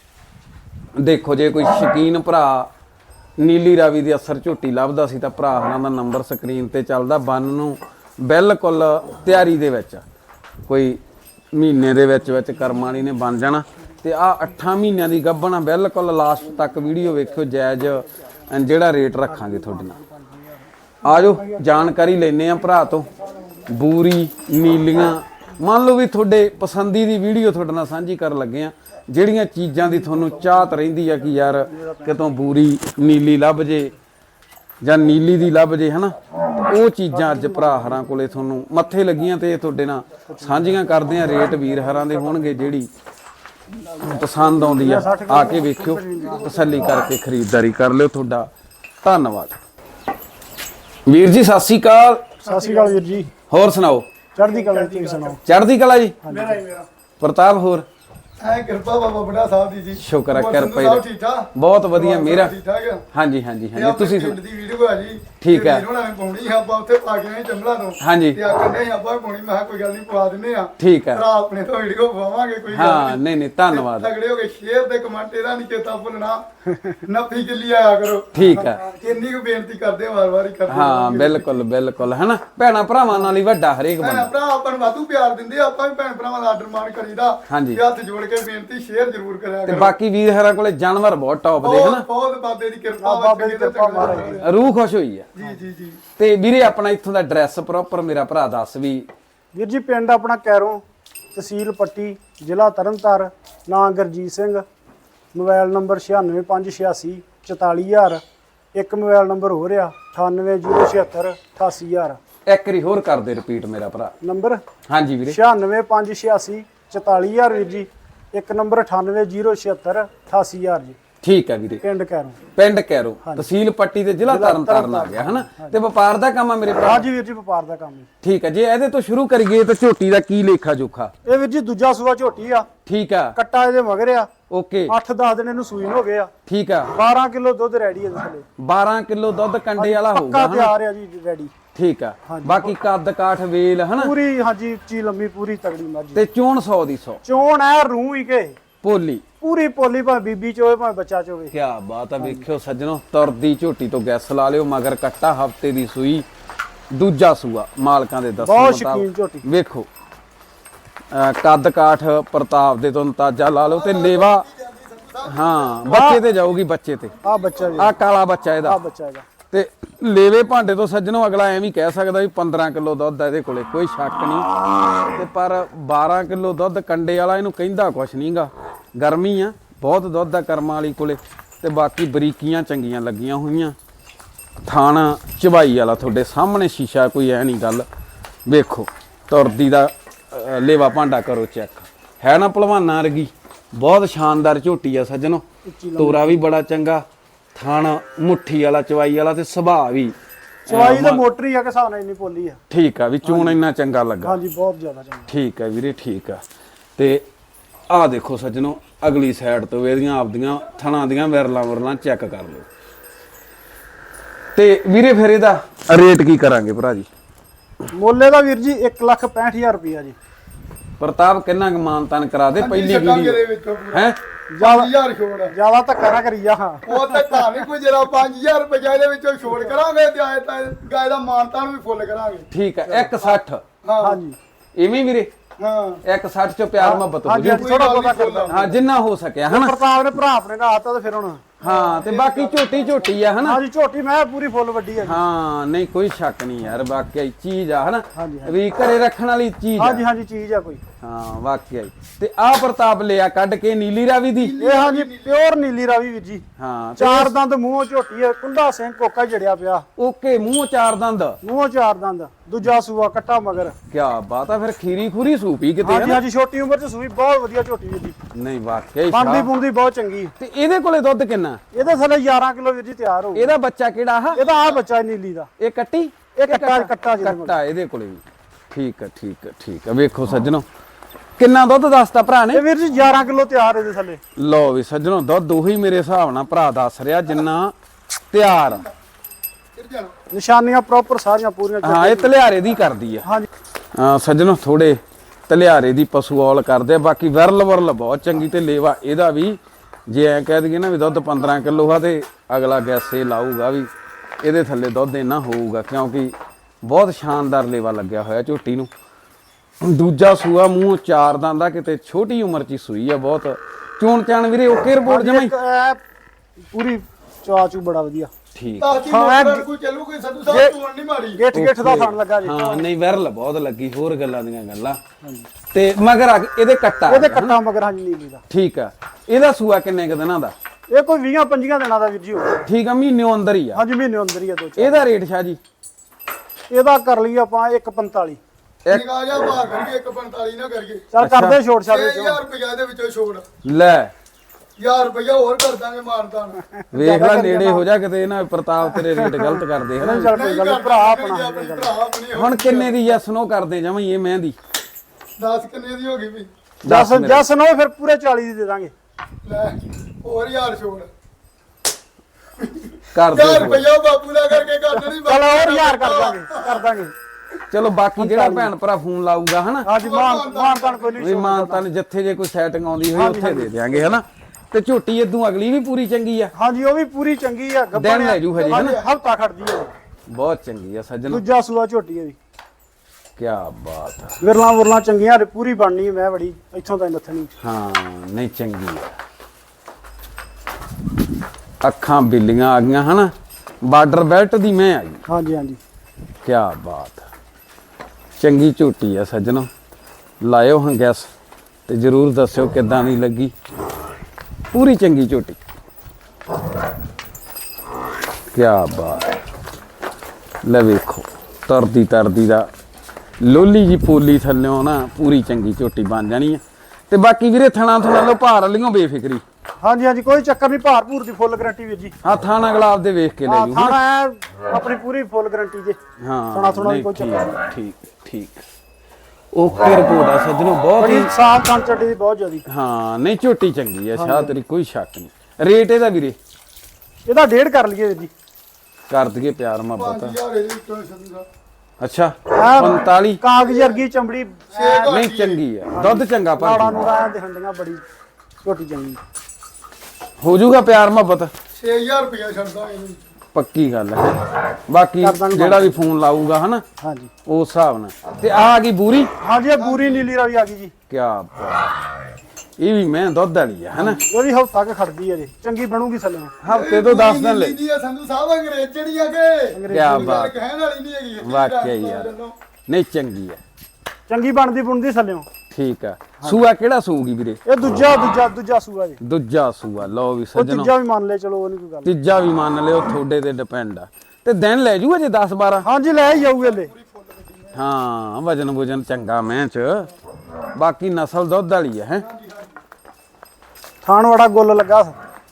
[SPEAKER 1] ਦੇਖੋ ਜੇ ਕੋਈ ਸ਼ੌਕੀਨ ਭਰਾ ਨੀਲੀ ਰਾਵੀ ਦੀ ਅਸਰ ਝੋਟੀ ਲੱਭਦਾ ਸੀ ਤਾਂ ਭਰਾ ਹਰਾਂ ਦਾ ਨੰਬਰ ਸਕਰੀਨ ਤੇ ਚੱਲਦਾ। ਬੰਨ ਨੂੰ ਬਿਲਕੁਲ ਤਿਆਰੀ ਦੇ ਵਿੱਚ, ਕੋਈ ਮਹੀਨੇ ਦੇ ਵਿੱਚ ਵਿੱਚ ਕਰਮ ਵਾਲੀ ਨੇ ਬਣ ਜਾਣਾ। ਤੇ ਆ ਅੱਠਾਂ ਮਹੀਨਿਆਂ ਦੀ ਗੱਭਣ ਆ, ਬਿਲਕੁਲ ਲਾਸਟ ਤੱਕ ਵੀਡੀਓ ਵੇਖਿਓ, ਜਾਇਜ਼ ਜਿਹੜਾ ਰੇਟ ਰੱਖਾਂਗੇ ਤੁਹਾਡੇ ਨਾਲ। ਆ ਜਾਓ ਜਾਣਕਾਰੀ ਲੈਨੇ ਆ ਭਰਾ ਤੋਂ। ਬੂਰੀ ਨੀਲੀਆਂ ਮੰਨ ਲਓ ਵੀ ਤੁਹਾਡੇ ਪਸੰਦੀ ਦੀ ਵੀਡੀਓ ਤੁਹਾਡੇ ਨਾਲ ਸਾਂਝੀ ਕਰਨ ਲੱਗੇ ਆ। ਜਿਹੜੀਆਂ ਚੀਜ਼ਾਂ ਦੀ ਤੁਹਾਨੂੰ ਚਾਹਤ ਰਹਿੰਦੀ ਆ ਕਿ ਯਾਰ ਕਿਤੋਂ ਬੂਰੀ ਨੀਲੀ ਲੱਭ ਜੇ ਜਾਂ ਨੀਲੀ ਦੀ ਲੱਭ ਜੇ, ਹਨਾ, ਉਹ ਚੀਜ਼ਾਂ ਅੱਜ ਭਰਾ ਹਰਾਂ ਕੋਲੇ ਤੁਹਾਨੂੰ ਮੱਥੇ ਲੱਗੀਆਂ ਤੇ ਇਹ ਤੁਹਾਡੇ ਨਾਲ ਸਾਂਝੀਆਂ ਕਰਦੇ ਆ। ਰੇਟ ਵੀਰ ਹਰਾਂ ਦੇ ਹੋਣਗੇ, ਜਿਹੜੀ ਪਸੰਦ ਆਉਂਦੀ ਆ ਆ ਕੇ ਵੇਖਿਓ, ਤਸੱਲੀ ਕਰਕੇ ਖਰੀਦਦਾਰੀ ਕਰ ਲਿਓ। ਤੁਹਾਡਾ ਧੰਨਵਾਦ ਵੀਰ ਜੀ। ਸਤਿ ਸ੍ਰੀ ਅਕਾਲ।
[SPEAKER 3] ਸਤਿ ਸ਼੍ਰੀ ਅਕਾਲ ਵੀਰ ਜੀ,
[SPEAKER 1] ਹੋਰ ਸੁਣਾਓ?
[SPEAKER 3] ਚੜ੍ਹਦੀ ਕਲਾ ਜੀ, ਤੁਸੀਂ ਸੁਣਾਓ?
[SPEAKER 1] ਚੜ੍ਹਦੀ ਕਲਾ ਜੀ। ਪ੍ਰਤਾਪ ਹੋਰ
[SPEAKER 2] ਐ ਕਿਰਪਾ ਬਾਬਾ ਬੜਾ ਸਾਹਿਬ ਦੀ ਜੀ।
[SPEAKER 1] ਸ਼ੁਕਰ ਹੈ, ਕਿਰਪਾ
[SPEAKER 2] ਸਾਹਿਬ ਠੀਕ ਠਾਕ,
[SPEAKER 1] ਬਹੁਤ ਵਧੀਆ ਮੇਰਾ।
[SPEAKER 2] ਠੀਕ ਠਾਕ ਆ।
[SPEAKER 1] ਹਾਂਜੀ ਹਾਂਜੀ ਹਾਂਜੀ ਤੁਸੀਂ
[SPEAKER 2] ਪਿੰਡ ਦੀ ਵੀਡੀਓ ਆ ਜੀ।
[SPEAKER 1] ਠੀਕ ਹੈ।
[SPEAKER 2] ਵੀਰੋਂ ਨਾਲ ਪਾਉਣੀ ਆ, ਆਪਾਂ ਉੱਥੇ ਪਾ ਕੇ ਆਏ ਚੰਬਲਾ ਤੋਂ।
[SPEAKER 1] ਹਾਂਜੀ
[SPEAKER 2] ਤੇ ਆਖਣੇ ਆਪਾਂ ਪਾਉਣੀ, ਮੈਂ ਕਿਹਾ ਕੋਈ ਗੱਲ ਨਹੀਂ ਪਵਾ ਦਿੰਨੇ ਆ।
[SPEAKER 1] ਠੀਕ ਹੈ।
[SPEAKER 2] ਭਰਾ ਆਪਣੇ ਤੋਂ ਵੀਡੀਓ ਪਵਾਵਾਂਗੇ, ਕੋਈ ਗੱਲ
[SPEAKER 1] ਹਾਂ ਨਹੀਂ ਨਹੀਂ ਧੰਨਵਾਦ।
[SPEAKER 2] ਤਗੜੇ ਹੋ ਕੇ ਸ਼ੇਅਰ ਤੇ ਕਮੈਂਟ ਇਹਦਾ ਨਹੀਂ ਚੇਤਾ ਭੁੱਲਣਾ। ਨੱਫੀ ਕਿੱਲੀ ਆਇਆ ਕਰੋ।
[SPEAKER 1] ਠੀਕ ਹੈ।
[SPEAKER 2] ਇੰਨੀ ਕੁ ਬੇਨਤੀ ਕਰਦੇ ਵਾਰ ਵਾਰ ਹੀ ਕਰਦੇ।
[SPEAKER 1] ਹਾਂ ਬਿਲਕੁਲ ਬਿਲਕੁਲ, ਹਨਾ। ਭੈਣਾ ਭਰਾਵਾਂ ਨਾਲ ਹੀ ਵੱਡਾ ਹਰੇਕ
[SPEAKER 2] ਭੈਣ
[SPEAKER 1] ਬੰਦਾ।
[SPEAKER 2] ਭਰਾ ਆਪਾਂ ਨੂੰ ਵਾਧੂ ਪਿਆਰ ਦਿੰਦੇ, ਆਪਾਂ ਵੀ ਭੈਣ ਭਰਾਵਾਂ ਦਾ ਆਰਡਰ ਮਾਨ ਕਰੀਦਾ।
[SPEAKER 1] ਹਾਂਜੀ।
[SPEAKER 2] ਹੱਥ ਜੋੜ ਕੇ ਬੇਨਤੀ ਸ਼ੇਅਰ ਜ਼ਰੂਰ ਕਰਿਆ
[SPEAKER 1] ਤੇ
[SPEAKER 2] ਕਰੋ।
[SPEAKER 1] ਬਾਕੀ ਵੀਰ ਹਰਾਂ ਕੋਲੇ ਜਾਨਵਰ ਬਹੁਤ ਟੌਪ ਦੇ, ਹਨਾ।
[SPEAKER 2] ਬਹੁਤ ਬਾਬੇ ਦੀ ਕਿਰਪਾ,
[SPEAKER 3] ਬਾਬੇ ਦੀ ਕਿਰਪਾ ਮਹਾਰਾਜ।
[SPEAKER 1] ਰੂਹ ਖੁਸ਼ ਹੋਈ ਆ
[SPEAKER 2] ਜੀ ਜੀ ਜੀ।
[SPEAKER 1] ਤੇ ਵੀਰੇ ਆਪਣਾ ਇੱਥੋਂ ਦਾ ਐਡਰੈਸ ਪ੍ਰੋਪਰ ਮੇਰਾ ਭਰਾ ਦੱਸ ਵੀ।
[SPEAKER 3] ਵੀਰ ਜੀ ਪਿੰਡ ਆਪਣਾ ਕੈਰੋਂ, ਤਹਿਸੀਲ ਪੱਟੀ, ਜ਼ਿਲ੍ਹਾ ਤਰਨਤਾਰਨ, ਨਾਂ ਗੁਰਜੀਤ ਸਿੰਘ, ਮੋਬਾਈਲ ਨੰਬਰ ਛਿਆਨਵੇਂ ਪੰਜ ਛਿਆਸੀ ਚੁਤਾਲੀ ਹਜ਼ਾਰ। ਇੱਕ ਮੋਬਾਈਲ ਨੰਬਰ ਹੋ ਰਿਹਾ ਅਠਾਨਵੇਂ ਜ਼ੀਰੋ ਛਿਹੱਤਰ ਅਠਾਸੀ ਹਜ਼ਾਰ।
[SPEAKER 1] ਇੱਕ ਵਾਰੀ ਹੋਰ ਕਰ ਦੇ ਰਿਪੀਟ ਮੇਰਾ ਭਰਾ
[SPEAKER 3] ਨੰਬਰ।
[SPEAKER 1] ਹਾਂਜੀ ਵੀਰੇ।
[SPEAKER 3] ਛਿਆਨਵੇਂ ਪੰਜ ਛਿਆਸੀ ਚੁਤਾਲੀ ਹਜ਼ਾਰ ਵੀਰ ਜੀ। ਇੱਕ ਨੰਬਰ ਅਠਾਨਵੇਂ ਜ਼ੀਰੋ ਛਿਹੱਤਰ ਅਠਾਸੀ ਹਜ਼ਾਰ ਜੀ।
[SPEAKER 1] ਠੀਕ ਹੈ ਵੀਰੇ।
[SPEAKER 3] ਪਿੰਡ ਕੈਰੋਂ।
[SPEAKER 1] ਪਿੰਡ ਕੈਰੋਂ, ਤਹਿਸੀਲ ਪੱਟੀ ਤੇ ਜ਼ਿਲ੍ਹਾ ਤਰਨਤਾਰਨ ਆ ਗਿਆ, ਹਨਾ। ਤੇ ਵਪਾਰ ਦਾ ਕੰਮ ਆ ਮੇਰੇ ਭਰਾ?
[SPEAKER 3] ਹਾਂਜੀ ਵੀਰ ਜੀ, ਵਪਾਰ ਦਾ ਕੰਮ ਹੈ।
[SPEAKER 1] ਠੀਕ ਹੈ। ਜੇ ਇਹਦੇ ਤੋਂ ਸ਼ੁਰੂ ਕਰੀਏ ਤਾਂ ਝੋਟੀ ਦਾ ਕੀ ਲੇਖਾ ਜੋਖਾ?
[SPEAKER 3] ਇਹ ਵੀਰ ਜੀ ਦੂਜਾ ਸੂਆ ਝੋਟੀ ਆ।
[SPEAKER 1] ਠੀਕ ਆ।
[SPEAKER 3] ਕੱਟਾ ਇਹਦੇ ਮਗਰ ਆ।
[SPEAKER 1] ਓਕੇ।
[SPEAKER 3] ਅੱਠ ਦਸ ਦਿਨ ਇਹਨੂੰ ਸੂਈ ਹੋ ਗਏ ਆ।
[SPEAKER 1] ਠੀਕ ਆ।
[SPEAKER 3] ਬਾਰਾਂ ਕਿਲੋ ਦੁੱਧ ਰੈਡੀ ਹੈ ਥੱਲੇ।
[SPEAKER 1] ਬਾਰਾਂ ਕਿਲੋ ਦੁੱਧ ਕੰਡੇ ਵਾਲਾ ਹੋਊਗਾ,
[SPEAKER 3] ਪੱਕਾ ਤਿਆਰ ਆ ਜੀ, ਰੈਡੀ।
[SPEAKER 1] ਠੀਕ ਆ। ਬਾਕੀ ਕੱਦ ਕਾਠ ਵੇਲ, ਹਨਾ,
[SPEAKER 3] ਪੂਰੀ ਹਾਂਜੀ ਉੱਚੀ ਲੰਮੀ ਪੂਰੀ ਤਗੜੀ ਮੱਝ।
[SPEAKER 1] ਤੇ ਚੋਣ ਸੌ ਦੀ ਸੌ।
[SPEAKER 3] ਚੋਣ ਐ ਰੂਹ ਹੀ ਕੇ
[SPEAKER 1] ਪੋਲੀ
[SPEAKER 3] ਪੂਰੀ ਪੋਲੀ, ਭਾਵੇਂ ਬੀਬੀ ਚੋਵੇ ਭਾਵੇਂ ਬੱਚਾ ਚੋਵੇ।
[SPEAKER 1] ਕੀ ਬਾਤ ਆ। ਵੇਖਿਓ ਸੱਜਣੋ, ਤੁਰਦੀ ਝੋਟੀ ਤੋਂ ਗੈਸ ਲਾ ਲਿਓ। ਮਗਰ ਕੱਟਾ, ਹਫਤੇ ਦੀ ਸੂਈ, ਦੂਜਾ ਸੂਆ, ਮਾਲਕਾਂ ਦੇ ਦੱਸਣ
[SPEAKER 3] ਬਹੁਤ ਸ਼ੌਕੀਨ ਝੋਟੀ।
[SPEAKER 1] ਵੇਖੋ ਕੱਦ ਕਾਠ ਪ੍ਰਤਾਪ ਦੇ ਤੋਂ ਅੰਦਾਜ਼ਾ ਲਾ ਲਓ। ਤੇ ਲੇਵਾ ਹਾਂ ਬੱਚੇ ਤੇ ਜਾਊਗੀ, ਬੱਚੇ ਤੇ।
[SPEAKER 3] ਆ ਬੱਚਾ ਜੀ,
[SPEAKER 1] ਆ ਕਾਲਾ ਬੱਚਾ ਇਹਦਾ।
[SPEAKER 3] ਆ ਬੱਚਾ ਇਹਦਾ।
[SPEAKER 1] ਤੇ ਲੇਵੇ ਭਾਂਡੇ ਤੋਂ ਸੱਜਣੋ ਅਗਲਾ ਐਵੇਂ ਕਹਿ ਸਕਦਾ ਵੀ ਪੰਦਰਾਂ ਕਿਲੋ ਦੁੱਧ ਆ ਇਹਦੇ ਕੋਲੇ, ਕੋਈ ਸ਼ੱਕ ਨਹੀਂ। ਤੇ ਪਰ ਬਾਰਾਂ ਕਿਲੋ ਦੁੱਧ ਕੰਡੇ ਵਾਲਾ ਇਹਨੂੰ ਕਹਿੰਦਾ ਕੁਛ ਨਹੀਂਗਾ। ਗਰਮੀ ਆ, ਬਹੁਤ ਦੁੱਧ ਆ ਕਰਮਾਂ ਵਾਲੀ ਕੋਲੇ। ਤੇ ਬਾਕੀ ਬਰੀਕੀਆਂ ਚੰਗੀਆਂ ਲੱਗੀਆਂ ਹੋਈਆਂ। ਥਾਣਾ ਚਬਾਈ ਵਾਲਾ ਤੁਹਾਡੇ ਸਾਹਮਣੇ ਸ਼ੀਸ਼ਾ, ਕੋਈ ਐ ਨਹੀਂ ਗੱਲ। ਵੇਖੋ ਤੁਰਦੀ ਦਾ ਲੇਵਾ ਭਾਂਡਾ ਕਰੋ ਚੈੱਕ, ਹੈ ਨਾ ਭਲਵਾਨਾਂ ਵਰਗੀ। ਬਹੁਤ ਸ਼ਾਨਦਾਰ ਝੋਟੀ ਆ ਸੱਜਣੋ। ਤੋਰਾ ਵੀ ਬੜਾ ਚੰਗਾ, ਥਣ ਮੁੱਠੀ ਵਾਲਾ ਚਵਾਈ ਵਾਲਾ ਤੇ ਸੁਭਾਅ ਵੀ
[SPEAKER 3] ਚਵਾਈ ਤਾਂ ਮੋਟਰੀ ਆ ਕਿ ਹਿਸਾਬ ਨਾਲ ਇੰਨੀ ਪੋਲੀ ਆ।
[SPEAKER 1] ਠੀਕ ਆ ਵੀ ਚੂਣ ਇੰਨਾ ਚੰਗਾ ਲੱਗਾ।
[SPEAKER 3] ਹਾਂਜੀ ਬਹੁਤ ਜ਼ਿਆਦਾ ਚੰਗਾ।
[SPEAKER 1] ਠੀਕ ਆ ਵੀਰੇ ਠੀਕ ਆ। ਤੇ ਆਹ ਦੇਖੋ ਸੱਜਣੋ ਅਗਲੀ ਸਾਈਡ ਤੋਂ ਇਹਦੀਆਂ ਆਪਦੀਆਂ ਥਣਾਂ ਦੀਆਂ ਵਿਰਲਾਂ ਵਿਰਲਾਂ ਚੈੱਕ ਕਰ ਲਓ। ਤੇ ਵੀਰੇ ਫਿਰ ਇਹਦਾ ਰੇਟ ਕੀ ਕਰਾਂਗੇ ਭਰਾ ਜੀ?
[SPEAKER 3] ਮੁੱਲੇ ਦਾ ਵੀਰ ਜੀ ਇੱਕ ਲੱਖ ਪੈਂਹਠ ਹਜ਼ਾਰ ਰੁਪਇਆ ਜੀ।
[SPEAKER 1] ਪ੍ਰਤਾਪ ਕਿੰਨਾ ਕੁ ਮਾਨਤਾਨ ਕਰਾ ਦੇ ਪਹਿਲੀ
[SPEAKER 2] ਛੱਡਾਂਗੇ
[SPEAKER 1] ਵੀਡੀਓ
[SPEAKER 2] ਦੇ ਵਿੱਚੋਂ ਪੂਰਾ
[SPEAKER 1] ਹੈ
[SPEAKER 2] ਪੰਜ ਹਜ਼ਾਰ ਛੋੜ ਆ।
[SPEAKER 3] ਜ਼ਿਆਦਾ ਧੱਕਾ ਨਾ ਕਰੀ ਜਾ। ਹਾਂ
[SPEAKER 2] ਉਹ ਧੱਕਾ ਨਹੀਂ ਕੋਈ ਜਰਾ ਪੰਜ ਹਜ਼ਾਰ ਰੁਪਏ ਇਹਦੇ ਵਿੱਚੋਂ ਛੋੜ ਕਰਾਂਗੇ ਤੇ ਆਏ ਤਾਂ ਗਾਇ ਦਾ ਮਾਨਤਾਨ ਵੀ ਫੁੱਲ ਕਰਾਂਗੇ।
[SPEAKER 1] ਠੀਕ ਆ ਇੱਕ ਸੱਠ
[SPEAKER 2] ਹਾਂ
[SPEAKER 3] ਹਾਂਜੀ
[SPEAKER 1] ਇਵੇਂ ਵੀਰੇ
[SPEAKER 2] ਹਾਂ
[SPEAKER 1] ਇੱਕ ਸੱਠ ਚੋਂ ਪਿਆਰ ਮੁਹੱਬਤ ਹੋ
[SPEAKER 3] ਹਾਂਜੀ
[SPEAKER 1] ਜੀ।
[SPEAKER 3] ਹਾਂਜੀ, ਥੋੜਾ ਬਹੁਤਾ ਕਰਦਾ।
[SPEAKER 1] ਹਾਂ ਜਿੰਨਾ ਹੋ ਸਕਿਆ ਹਨਾ।
[SPEAKER 3] ਪ੍ਰਤਾਪ ਨੇ ਭਰਾ ਆਪਣੇ ਦਾ ਆਤਾ ਤੇ ਫਿਰ ਹੁਣ
[SPEAKER 1] ਹਾਂ ਤੇ ਬਾਕੀ ਝੋਟੀ ਝੋਟੀ ਆ ਹਨਾ।
[SPEAKER 3] ਹਾਂਜੀ ਝੋਟੀ ਮੈਂ ਪੂਰੀ ਫੁੱਲ ਵੱਡੀ ਆ ਜੀ।
[SPEAKER 1] ਹਾਂ ਨਹੀਂ ਕੋਈ ਸ਼ੱਕ ਨਹੀਂ ਯਾਰ ਵਾਕਿਆ ਚੀਜ਼ ਆ ਹਨਾ।
[SPEAKER 3] ਹਾਂਜੀ, ਹਾਂਜੀ।
[SPEAKER 1] ਵੀ ਘਰੇ ਰੱਖਣ ਵਾਲੀ ਚੀਜ਼ ਆ।
[SPEAKER 3] ਹਾਂਜੀ ਹਾਂਜੀ ਚੀਜ਼ ਆ ਕੋਈ।
[SPEAKER 1] ਹਾਂ ਵਾਕਿਆ ਹੀ। ਤੇ ਆਹ ਪ੍ਰਤਾਪ ਲਿਆ ਕੱਢ ਕੇ ਨੀਲੀ ਰਾਵੀ ਦੀ।
[SPEAKER 3] ਇਹ ਹਾਂਜੀ ਪਿਓਰ ਨੀਲੀ ਰਾਵੀ ਵੀਰ ਜੀ।
[SPEAKER 1] ਹਾਂ ਤੇ
[SPEAKER 3] ਚਾਰ ਦੰਦ ਮੂੰਹੋਂ ਝੋਟੀ ਆ, ਕੁੰਡਾ ਸਿੰਘ ਕੋਕਾ ਜੜਿਆ ਪਿਆ।
[SPEAKER 1] ਓਕੇ ਮੂੰਹ ਚਾਰ ਦੰਦ।
[SPEAKER 3] ਮੂੰਹੋਂ ਚਾਰ ਦੰਦ, ਦੂਜਾ ਸੂਆ ਕੱਟਾ ਮਗਰ।
[SPEAKER 1] ਕਿਆ ਬਾਤ ਆ ਫਿਰ ਖੀਰੀ ਖੂਰੀ ਸੂਪੀ ਕਿਤੇ
[SPEAKER 3] ਹਾਂਜੀ
[SPEAKER 1] ਹਨਾ।
[SPEAKER 3] ਹਾਂਜੀ ਛੋਟੀ ਉਮਰ ਚ ਸੂਈ ਬਹੁਤ ਵਧੀਆ ਝੋਟੀ ਵੀਰ ਜੀ।
[SPEAKER 1] ਨਹੀਂ ਵਾਕਿਆ ਹੀ
[SPEAKER 3] ਬੰਦੀ
[SPEAKER 1] ਸ਼ਾਹ।
[SPEAKER 3] ਬੁੰਦੀ ਬਹੁਤ ਚੰਗੀ।
[SPEAKER 1] ਤੇ ਇਹਦੇ ਕੋਲੇ ਦੁੱਧ ਕਿੰਨਾ?
[SPEAKER 3] ਇਹਦੇ ਥੱਲੇ ਗਿਆਰਾਂ ਕਿਲੋ ਵੀਰ ਜੀ ਤਿਆਰ ਹੋ।
[SPEAKER 1] ਇਹਦਾ ਬੱਚਾ ਕਿਹੜਾ ਆ?
[SPEAKER 3] ਇਹਦਾ ਆ ਬੱਚਾ ਨੀਲੀ ਦਾ।
[SPEAKER 1] ਇਹ ਕੱਟੀ?
[SPEAKER 3] ਇਹ ਕੱਟਾ ਕੱਟਾ ਜਿਹਦੇ ਕੋਲ।
[SPEAKER 1] ਕੱਟਾ ਇਹਦੇ ਕੋਲੇ ਵੀ। ਠੀਕ ਆ ਠੀਕ ਆ ਠੀਕ ਆ। ਵੇਖੋ ਸੱਜਣੋ ਕਿੰਨਾ ਦੁੱਧ ਦੱਸਤਾ ਭਰਾ ਨੇ?
[SPEAKER 3] ਇਹ ਵੀਰ ਜੀ ਗਿਆਰਾਂ ਕਿਲੋ ਤਿਆਰ ਇਹਦੇ ਥੱਲੇ।
[SPEAKER 1] ਲਓ ਵੀ ਸੱਜਣੋ ਦੁੱਧ ਉਹੀ ਮੇਰੇ ਹਿਸਾਬ ਨਾਲ ਭਰਾ ਦੱਸ ਰਿਹਾ ਜਿੰਨਾ ਤਿਆਰ ਆ।
[SPEAKER 3] ਨਿਸ਼ਾਨੀਆਂ ਪ੍ਰੋਪਰ ਸਾਰੀਆਂ ਪੂਰੀਆਂ।
[SPEAKER 1] ਹਾਂ ਇਹ ਤਲਿਆਰੇ ਦੀ ਕਰਦੀ ਆ।
[SPEAKER 3] ਹਾਂਜੀ
[SPEAKER 1] ਹਾਂ ਸੱਜਣੋ ਥੋੜੇ ਤਲਿਆਰੇ ਦੀ ਪਸ਼ੂ ਔਲ ਕਰਦੇ ਆ। ਬਾਕੀ ਵਿਰਲ ਵਰਲ ਬਹੁਤ ਚੰਗੀ ਤੇ ਲੇਵਾ ਇਹਦਾ ਵੀ ਜੇ ਐ ਕਹਿ ਦਈਏ ਨਾ ਵੀ ਦੁੱਧ ਪੰਦਰਾਂ ਕਿਲੋ ਆ ਤੇ ਅਗਲਾ ਗੈਸੇ ਲਾਊਗਾ ਵੀ ਇਹਦੇ ਥੱਲੇ ਦੁੱਧ ਇੰਨਾ ਹੋਊਗਾ ਕਿਉਂਕਿ ਬਹੁਤ ਸ਼ਾਨਦਾਰ ਲੇਵਾ ਲੱਗਿਆ ਹੋਇਆ ਝੋਟੀ ਨੂੰ। ਦੂਜਾ ਸੂਆ ਮੂੰਹ ਚਾਰ ਦੰਦ ਦਾ ਕਿਤੇ ਛੋਟੀ ਉਮਰ ਚ ਹੀ ਸੂਈ ਆ। ਬਹੁਤ ਚੋਣ ਚਾਣ ਵੀਰੇ ਓਕੇ ਰਿਪੋਰਟ ਜਮਾਈ
[SPEAKER 3] ਇੱਕ ਇਹ ਪੂਰੀ ਚਾਚੂ ਬੜਾ ਵਧੀਆ।
[SPEAKER 1] ਠੀਕ
[SPEAKER 2] ਤਾਕੀ
[SPEAKER 3] ਹਾਂ,
[SPEAKER 2] ਮੋਟਰ ਕੋਈ ਚੱਲੂ ਕੋਈ ਸੰਧੂ ਸਾਹਿਬ ਤੂੰ ਨਹੀਂ ਮਾਰੀ।
[SPEAKER 3] ਗਿੱਠ ਗਿੱਠ ਦਾ ਥਣ ਲੱਗਾ ਜੀ।
[SPEAKER 1] ਹਾਂ ਨਹੀਂ ਵਿਰਲ ਬਹੁਤ ਲੱਗੀ ਹੋਰ ਗੱਲਾਂ ਦੀਆਂ ਗੱਲਾਂ। ਤੇ ਮਗਰ ਆ ਇਹਦੇ ਕੱਟਾ
[SPEAKER 3] ਇਹਦੇ ਕੱਟਾ ਮਗਰ ਹਾਂਜੀ ਨੀਲੀ ਦਾ।
[SPEAKER 1] ਠੀਕ ਆ। ਇਹਦਾ ਸੂਆ ਕਿੰਨੇ ਕੁ ਦਿਨਾਂ ਦਾ?
[SPEAKER 3] ਇਹ ਕੋਈ ਵੀਹ ਪੰਜੀਆਂ ਦਿਨਾਂ ਦਾ ਵੀਰ ਜੀ ਹੋਊਗਾ।
[SPEAKER 1] ਠੀਕ ਆ ਮਹੀਨੇ ਅੰਦਰ ਹੀ ਆ।
[SPEAKER 3] ਹਾਂਜੀ ਮਹੀਨੇ ਅੰਦਰ ਹੀ ਆ ਦੋ ਚਾਰ।
[SPEAKER 1] ਇਹਦਾ ਰੇਟ ਸ਼ਾਹ ਜੀ?
[SPEAKER 3] ਇਹਦਾ ਕਰ ਲਈ ਆਪਾਂ ਇੱਕ ਪੰਤਾਲੀ।
[SPEAKER 2] ਨਿਕਾ ਜਾ ਭਾਅ ਕਰੀਏ ਇੱਕ ਪੰਤਾਲੀ ਨਾ ਕਰੀਏ।
[SPEAKER 3] ਚੱਲ ਕਰਦੇ ਛੋੜ ਛਾੜ
[SPEAKER 2] ਛੇ
[SPEAKER 3] ਵਿੱਚ।
[SPEAKER 2] ਹਜ਼ਾਰ ਰੁਪਏ ਇਹਦੇ ਵਿੱਚੋਂ ਛੋੜ।
[SPEAKER 1] ਲੈ
[SPEAKER 2] ਹਜ਼ਾਰ ਰੁਪਇਆ ਹੋਰ ਕਰ ਦਾਂਗੇ ਮਾਨਤਾਨ।
[SPEAKER 1] ਵੇਖ ਲੈ ਨੇੜੇ ਹੋ ਜਾ ਕਿਤੇ ਨਾ ਪ੍ਰਤਾਪ ਤੇਰੇ ਰੇਟ ਗਲਤ ਕਰਦੇ ਹਨਾ।
[SPEAKER 3] ਚੱਲ ਕੋਈ ਗੱਲ ਨੀ, ਭਰਾ ਆਪਣਾ।
[SPEAKER 2] ਭਰਾ ਆਪਣੀ
[SPEAKER 1] ਹੁਣ ਕਿੰਨੇ ਦੀ ਯੈਸ ਨੋ ਕਰਦੇ ਜਮਾਈ ਇਹ ਮਹਿੰਦੀ?
[SPEAKER 2] ਦਸ ਕਿੰਨੇ ਦੀ ਹੋ ਗਈ ਵੀ?
[SPEAKER 3] ਜਸ ਜਸ ਨਾ ਫਿਰ ਪੂਰੇ ਚਾਲੀ ਦੀ ਦੇ ਦਾਂਗੇ।
[SPEAKER 2] ਲੈ ਹੋਰ ਹਜ਼ਾਰ ਛੋੜ।
[SPEAKER 1] ਕਰ
[SPEAKER 2] ਹਜ਼ਾਰ
[SPEAKER 1] ਦੋ
[SPEAKER 2] ਰੁਪਇਆ ਬਾਪੂ ਦਾ ਕਰਕੇ ਕੱਢ ਨਹੀਂ
[SPEAKER 3] ਚਲ ਹੋਰ ਹਜ਼ਾਰ ਕਰ ਦਾਂਗੇ ਕਰ ਦਾਂਗੇ।
[SPEAKER 1] ਚਲੋ ਬਾਕੀ ਜਿਹੜਾ ਭੈਣ ਭਰਾ ਫੋਨ ਲਾਊਗਾ ਹਨਾ
[SPEAKER 3] ਹਾਂਜੀ ਮਾਨ ਮਾਨ ਤਾਂ ਕੋਈ
[SPEAKER 1] ਵੀ
[SPEAKER 3] ਨਹੀਂ।
[SPEAKER 1] ਮਾਨਤਾਨ ਜਿੱਥੇ ਜੇ ਕੋਈ ਸੈਟਿੰਗ ਆਉਂਦੀ ਹੋਈ ਉੱਥੇ ਦੇ ਦਿਆਂਗੇ ਹਨਾ। ਤੇ ਝੋਟੀ ਇਦੋਂ ਅਗਲੀ ਵੀ ਪੂਰੀ ਚੰਗੀ ਆ।
[SPEAKER 3] ਹਾਂਜੀ ਉਹ ਵੀ ਪੂਰੀ ਚੰਗੀ ਆ।
[SPEAKER 1] ਦਿਨ ਲੈ ਜੂ ਹਜੇ ਹਨਾ।
[SPEAKER 3] ਹਫਤਾ ਖੜਦੀ ਆ।
[SPEAKER 1] ਬਹੁਤ ਚੰਗੀ ਆ ਸੱਜਣੋ।
[SPEAKER 3] ਦੂਜਾ ਸੂਆ ਝੋਟੀ ਆ ਵੀ।
[SPEAKER 1] ਕੀ ਬਾਤ ਆ।
[SPEAKER 3] ਵਿਰਲਾ ਵਿਰਲਾ ਚੰਗੀਆਂ ਤੇ ਪੂਰੀ ਬਣਨੀ ਮੈਂ ਬੜੀ ਇੱਥੋਂ ਤਾਂ ਲੱਥਣੀ।
[SPEAKER 1] ਹਾਂ ਨਹੀਂ ਚੰਗੀ ਆ। ਅੱਖਾਂ ਬਿੱਲੀਆਂ ਆ ਗਈਆਂ ਹਨਾ। ਬਾਰਡਰ ਬੈਲਟ ਦੀ ਮੈਂ ਆਈ।
[SPEAKER 3] ਹਾਂਜੀ ਹਾਂਜੀ
[SPEAKER 1] ਕੀ ਬਾਤ ਆ। ਚੰਗੀ ਝੋਟੀ ਆ ਸੱਜਣੋ। ਲਾਇਓ ਹਾਂ ਗੈਸ ਤੇ ਜਰੂਰ ਦੱਸਿਓ ਕਿੱਦਾਂ ਦੀ ਲੱਗੀ। ਪੂਰੀ ਚੰਗੀ ਝੋਟੀ। ਕੀ ਬਾਤ। ਲੈ ਵੇਖੋ ਤਰਦੀ ਤਰਦੀ ਦਾ ਲੋਲੀ ਜੀ ਪੋਲੀ ਥੱਲਿਓਂ ਨਾ ਪੂਰੀ ਚੰਗੀ ਝੋਟੀ ਬਣ ਜਾਣੀ ਆ। ਤੇ ਬਾਕੀ ਵੀਰੇ ਥਣਾ ਥਣਾ ਲੋ ਭਾਰ ਵਾਲੀਆਂ ਬੇਫਿਕਰੀ।
[SPEAKER 3] ਹਾਂਜੀ ਹਾਂਜੀ ਕੋਈ ਚੱਕਰ ਨਹੀਂ। ਭਾਰ ਭੂਰ ਦੀ ਫੁੱਲ ਗਾਰੰਟੀ ਵੀਰ ਜੀ।
[SPEAKER 1] ਹਾਂ ਥਾਣਾ ਗਲਾਬ ਦੇ ਵੇਖ ਕੇ ਲੈ
[SPEAKER 3] ਹਾਂ
[SPEAKER 1] ਜੂ
[SPEAKER 3] ਥਾਣਾ ਐ ਆਪਣੀ ਪੂਰੀ ਫੁੱਲ ਗਾਰੰਟੀ ਜੇ।
[SPEAKER 1] ਹਾਂ
[SPEAKER 3] ਥੋੜਾ ਥੋੜਾ
[SPEAKER 1] ਨਹੀਂ,
[SPEAKER 3] ਕੋਈ ਚੱਕਰ ਨਹੀਂ।
[SPEAKER 1] ਠੀਕ ਠੀਕ ਓਕੇ ਰਿਪੋਰਟ ਆ ਸੱਜਣੋ ਬਹੁਤ
[SPEAKER 3] ਬੜੀ
[SPEAKER 1] ਹੀ।
[SPEAKER 3] ਸਾਫ ਕੰਨ ਚੱਡੀ ਦੀ ਬਹੁਤ ਜ਼ਿਆਦੀ।
[SPEAKER 1] ਹਾਂ ਨਹੀਂ ਝੋਟੀ ਚੰਗੀ ਆ ਸ਼ਾਹ ਤੇਰੀ ਕੋਈ ਸ਼ੱਕ ਨਹੀਂ। ਰੇਟ ਇਹਦਾ ਵੀਰੇ
[SPEAKER 3] ਇਹਦਾ ਡੇਢ ਕਰ ਲਈਏ ਵੀਰ ਜੀ।
[SPEAKER 1] ਕਰ ਦਈਏ ਪਿਆਰ ਮੁਹੱਬਤ।
[SPEAKER 2] ਪੰਜ ਹਜ਼ਾਰ ਇਹਦੇ ਵਿੱਚੋਂ ਸੰਧੂ ਸਾਹਿਬ।
[SPEAKER 1] ਅੱਛਾ
[SPEAKER 3] ਐਂ
[SPEAKER 1] ਪੰਤਾਲੀ
[SPEAKER 3] ਕਾਗਜ਼ ਵਰਗੀ ਚਮੜੀ।
[SPEAKER 1] ਨਹੀਂ ਚੰਗੀ ਆ ਦੁੱਧ ਚੰਗਾ
[SPEAKER 3] ਨਾੜਾਂ
[SPEAKER 1] ਪਰ
[SPEAKER 3] ਨੂੰ ਆਇਆ ਤੇ ਹੰਡੀਆਂ ਬੜੀ ਝੋਟੀ ਚੰਗੀ।
[SPEAKER 1] ਹੋ ਜਾਊਗਾ ਪਿਆਰ ਮੁਹੱਬਤ।
[SPEAKER 2] ਛੇ ਹਜ਼ਾਰ ਰੁਪਇਆ ਛੱਡਦਾ ਇਹਦੇ ਵਿੱਚ।
[SPEAKER 1] ਪੱਕੀ ਗੱਲ ਹੈ। ਬਾਕੀ
[SPEAKER 3] ਕਰ ਦਾਂਗੇ
[SPEAKER 1] ਜਿਹੜਾ ਵੀ ਫੋਨ ਲਾਊਗਾ ਹਨਾ
[SPEAKER 3] ਹਾਂਜੀ
[SPEAKER 1] ਉਸ ਹਿਸਾਬ ਨਾਲ। ਤੇ ਆ ਆ ਗਈ ਬੂਰੀ।
[SPEAKER 3] ਹਾਂਜੀ ਇਹ ਪੂਰੀ ਨੀਲੀ ਰਾਵੀ ਆ ਗਈ ਜੀ।
[SPEAKER 1] ਕੀ ਬਾਤ। ਇਹ ਵੀ ਮੈਂ ਦੁੱਧ ਵਾਲੀ ਆ ਹਨਾ।
[SPEAKER 3] ਉਹ ਵੀ ਹਫਤਾ ਕੇ ਖੜਦੀ ਹੈ ਜੀ। ਚੰਗੀ ਬਣੂਗੀ ਥੱਲੇ।
[SPEAKER 1] ਹਫਤੇ ਤੋਂ ਦਸ ਦਿਨ ਲੈ।
[SPEAKER 2] ਨੀਲੀ ਆ ਸੰਧੂ ਸਾਹਿਬ ਅੰਗਰੇਜ਼ ਜਿਹੜੀ ਆ ਕੇ
[SPEAKER 1] ਕੀ ਬਾਤ।
[SPEAKER 2] ਕਹਿਣ ਵਾਲੀ ਨਹੀਂ ਹੈਗੀ।
[SPEAKER 1] ਵਾਕਿਆ ਹੀ ਯਾਰ ਨਹੀਂ ਚੰਗੀ ਆ।
[SPEAKER 3] ਚੰਗੀ ਬਣਦੀ ਬੁਣਦੀ ਥੱਲਿਓਂ।
[SPEAKER 1] ਠੀਕ ਆ। ਸੂਆ ਕਿਹੜਾ ਸੂਗੀ ਵੀਰੇ?
[SPEAKER 3] ਇਹ ਦੂਜਾ ਦੂਜਾ ਦੂਜਾ ਸੂਆ ਜੀ।
[SPEAKER 1] ਦੂਜਾ ਸੂਆ। ਲਓ ਵੀ
[SPEAKER 3] ਉਹ
[SPEAKER 1] ਸੱਜਣੋ
[SPEAKER 3] ਤੀਜਾ ਵੀ ਮੰਨ ਲੈ ਚਲੋ ਉਹ ਨਹੀਂ ਕੋਈ ਗੱਲ।
[SPEAKER 1] ਤੀਜਾ ਵੀ ਮੰਨ ਲਿਓ ਤੁਹਾਡੇ ਤੇ ਡਿਪੈਂਡ ਆ। ਤੇ ਦਿਨ ਲੈ ਜੂਗਾ ਜੇ ਦਸ ਬਾਰਾਂ।
[SPEAKER 3] ਹਾਂਜੀ ਲੈ ਹੀ ਜਾਊਗੇ ਲੈ।
[SPEAKER 1] ਹਾਂ ਵਜਨ ਵਜਨ ਚੰਗਾ ਮੈਂ ਚ। ਬਾਕੀ ਨਸਲ ਦੁੱਧ ਵਾਲੀ ਆ ਹੈ।
[SPEAKER 3] ਥਾਣ ਵਾੜਾ ਗੁੱਲ ਲੱਗਾ।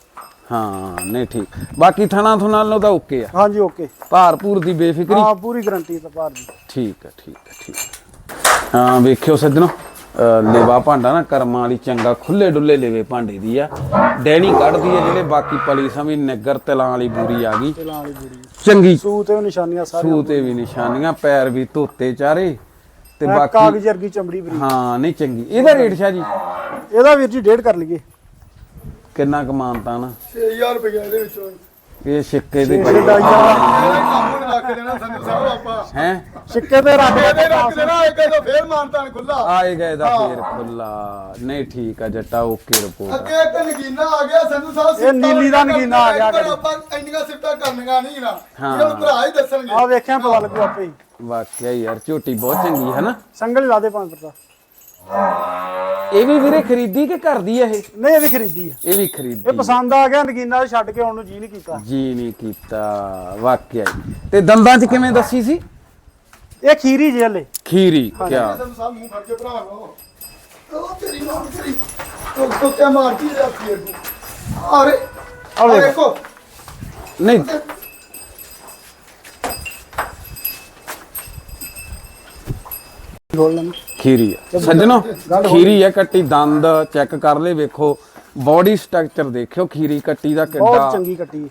[SPEAKER 1] ਹਾਂ ਨਹੀਂ ਠੀਕ। ਬਾਕੀ ਥਣਾ ਥੁਣਾ ਨਾਲੋਂ ਤਾਂ ਓਕੇ ਆ।
[SPEAKER 3] ਹਾਂਜੀ ਓਕੇ।
[SPEAKER 1] ਭਾਰ ਭੂਰ ਦੀ ਬੇਫਿਕਰੀ।
[SPEAKER 3] ਹਾਂ ਪੂਰੀ ਗਾਰੰਟੀ ਤਾਂ ਭਾਰ ਦੀ।
[SPEAKER 1] ਠੀਕ ਆ ਠੀਕ ਆ ਠੀਕ ਆ। ਹਾਂ ਵੇਖਿਓ ਸੱਜਣੋ ਲੇਵਾ ਭਾਂਡਾ ਨਾ ਕਰਮਾਂ ਵਾਲੀ ਚੰਗਾ ਖੁੱਲੇ ਡੁੱਲੇ ਲੇਵੇ ਭਾਂਡੇ ਦੀ ਆ। ਡੈਣੀ ਕੱਢਦੀ ਆ ਜਿਹੜੇ ਬਾਕੀ ਪਲੀ ਸਮੀ ਨਿੱਗਰ ਤਿਲਾਂ ਵਾਲੀ ਬੂਰੀ ਆ ਗਈ
[SPEAKER 3] ਤਿਲਾਂ ਵਾਲੀ ਬੂਰੀ
[SPEAKER 1] ਚੰਗੀ।
[SPEAKER 3] ਸੂ ਤੇ ਨਿਸ਼ਾਨੀਆਂ ਸਾਰੀਆਂ।
[SPEAKER 1] ਸੂ ਤੇ ਵੀ ਨਿਸ਼ਾਨੀਆਂ, ਪੈਰ ਵੀ ਧੋਤੇ ਚਾਰੇ ਤੇ
[SPEAKER 3] ਐ
[SPEAKER 1] ਬਾਕੀ
[SPEAKER 3] ਕਾਗਜ਼ ਵਰਗੀ ਚਮੜੀ ਬਰੀ।
[SPEAKER 1] ਹਾਂ ਨਹੀਂ ਚੰਗੀ। ਇਹਦਾ ਰੇਟ ਸ਼ਾਹ ਜੀ
[SPEAKER 3] ਇਹਦਾ ਵੀਰ ਜੀ ਡੇਢ ਕਰ ਲਈਏ।
[SPEAKER 1] ਕਿੰਨਾ ਕਮਾਨਤਾ ਨਾ?
[SPEAKER 2] ਛੇ ਹਜ਼ਾਰ ਰੁਪਏ ਇਹਦੇ ਵਿੱਚੋਂ
[SPEAKER 1] ਇਹ ਸਿੱਕੇ ਦੇ
[SPEAKER 3] ਛੇ ਡਾਈਆਂ
[SPEAKER 2] ਇਹਦਾ ਹੀ ਕੰਮ ਹੁਣ ਰੱਖ ਦੇਣਾ ਸੰਧੂ ਸਾਹਿਬ ਆਪਾਂ।
[SPEAKER 1] ਹੈ
[SPEAKER 3] ਸਿੱਕੇ ਤੇ ਰੱਖ
[SPEAKER 2] ਇਹਦੇ ਰੱਖ ਦੇਣਾ ਇੱਕ ਤਾਂ ਫੇਰ ਮਾਨਤਾਨ ਖੁੱਲਾ।
[SPEAKER 1] ਆਏਗਾ ਇਹਦਾ ਫੇਰ ਖੁੱਲਾ। ਨਹੀਂ ਠੀਕ ਆ ਜੱਟਾ ਓਕੇ ਰਿਪੋਰਟ।
[SPEAKER 2] ਅੱਗੇ ਇੱਕ ਨਗੀਨਾ ਆ ਗਿਆ ਸੰਧੂ ਸਾਹਿਬ।
[SPEAKER 3] ਇਹ ਨੀਲੀ ਦਾ ਨਗੀਨਾ ਆ ਗਿਆ
[SPEAKER 2] ਪਰ ਆਪਾਂ ਇੰਨੀਆਂ ਸਿਫਤਾਂ ਕਰਨੀਆਂ ਨਹੀਂ ਨਾ।
[SPEAKER 1] ਹਾਂ।
[SPEAKER 2] ਇਹ ਭਰਾ ਹੀ ਦੱਸਣਗੇ।
[SPEAKER 3] ਆ ਵੇਖਿਆ ਪਤਾ ਲੱਗੂ ਆਪੇ ਹੀ।
[SPEAKER 1] ਵਾਕਿਆ ਯਾਰ ਝੋਟੀ ਬਹੁਤ ਚੰਗੀ ਹੈ ਨਾ।
[SPEAKER 3] ਸੰਗਲ ਲਾ ਦੇ ਪੰਜ ਪਰਤਾ।
[SPEAKER 1] ਇਹ ਵੀ ਵੀਰੇ ਖਰੀਦੀ ਕਿ ਕਰਦੀ ਆ ਇਹ?
[SPEAKER 3] ਨਹੀਂ ਇਹ ਵੀ ਖਰੀਦੀ ਆ।
[SPEAKER 1] ਇਹ ਵੀ ਖਰੀਦੀ।
[SPEAKER 3] ਇਹ ਪਸੰਦ ਆ ਗਿਆ ਨਗੀਨਾ ਛੱਡ ਕੇ ਆਉਣ ਨੂੰ ਜੀ ਨਹੀਂ ਕੀਤਾ।
[SPEAKER 1] ਜੀ ਨਹੀਂ ਕੀਤਾ ਵਾਕਿਆ ਹੀ। ਤੇ ਦੰਦਾਂ 'ਚ ਕਿਵੇਂ ਦੱਸੀ ਸੀ?
[SPEAKER 3] ਇਹ ਖੀਰੀ ਜੇ ਹਲੇ।
[SPEAKER 1] ਖੀਰੀ ਕਿਆ?
[SPEAKER 2] ਸੰਧੂ ਸਾਹਿਬ ਮੂੰਹ ਫੜ ਕੇ ਭਰਾ ਲਓ। ਉਹ ਤੇਰੀ ਮਾਂ ਤੇਰੀ ਤੋ ਤੋ ਤੇ ਮਾਰਦੀ ਆ ਫੇਰ ਨੂੰ। ਅਰੇ
[SPEAKER 3] ਆ ਵੇਖ।
[SPEAKER 2] ਦੇਖੋ
[SPEAKER 1] ਨਹੀਂ
[SPEAKER 3] ਬੋਲ ਲੈਣਾ।
[SPEAKER 1] ਖੀਰੀ ਆ ਸੱਜਣੋ, ਖੀਰੀ ਆ ਕੱਟੀ। ਦੰਦ ਚੈੱਕ ਕਰ ਲੈ ਵੇਖੋ, ਬਾਡੀ ਸਟਰਕਚਰ ਦੇਖਿਓ ਖੀਰੀ ਕੱਟੀ ਦਾ
[SPEAKER 3] ਬਹੁਤ
[SPEAKER 1] ਕਿੱਡਾ
[SPEAKER 3] ਚੰਗੀ ਕੱਟੀ।